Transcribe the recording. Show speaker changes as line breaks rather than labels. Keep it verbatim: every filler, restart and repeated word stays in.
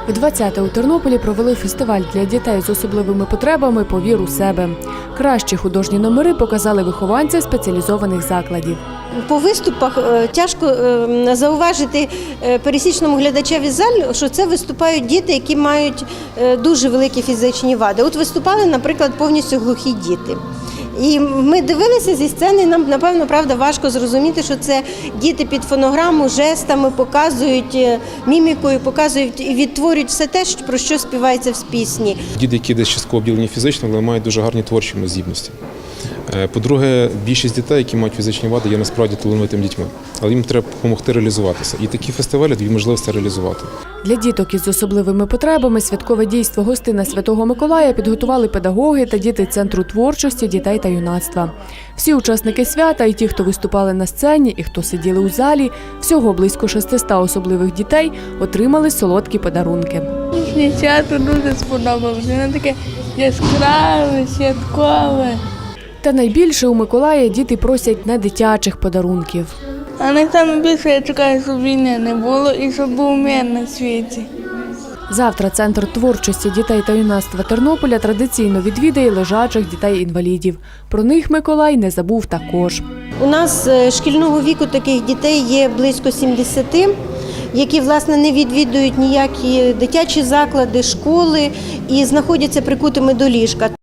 Вдвадцяте у Тернополі провели фестиваль для дітей з особливими потребами «Повір у себе». Кращі художні номери показали вихованці спеціалізованих закладів.
По виступах тяжко зауважити пересічному глядачеві залі, що це виступають діти, які мають дуже великі фізичні вади. От виступали, наприклад, повністю глухі діти. І ми дивилися зі сцени, нам, напевно, правда, важко зрозуміти, що це діти під фонограму, жестами показують, мімікою показують і відтворюють все те, про що співається в пісні.
Діти, які десь частково обділені фізично, але мають дуже гарні творчі здібності. По-друге, більшість дітей, які мають фізичні вади, є насправді талановитими дітьми. Але їм треба допомогти реалізуватися. І такі фестивалі дають можливість це реалізувати.
Для діток із особливими потребами святкове дійство «Гостина Святого Миколая» підготували педагоги та діти Центру творчості дітей та юнацтва. Всі учасники свята, і ті, хто виступали на сцені, і хто сиділи у залі, всього близько шестисот особливих дітей отримали солодкі подарунки.
Мені свято дуже сподобалося, воно таке яскраве, святкове.
Та найбільше у Миколая діти просять не дитячих подарунків.
А найбільше я чекаю, щоб війни не було і щоб був мир на світі.
Завтра Центр творчості дітей та юнацтва Тернополя традиційно відвідає лежачих дітей-інвалідів. Про них Миколай не забув також.
У нас шкільного віку таких дітей є близько сімдесяти, які, власне, не відвідують ніякі дитячі заклади, школи і знаходяться прикутими до ліжка.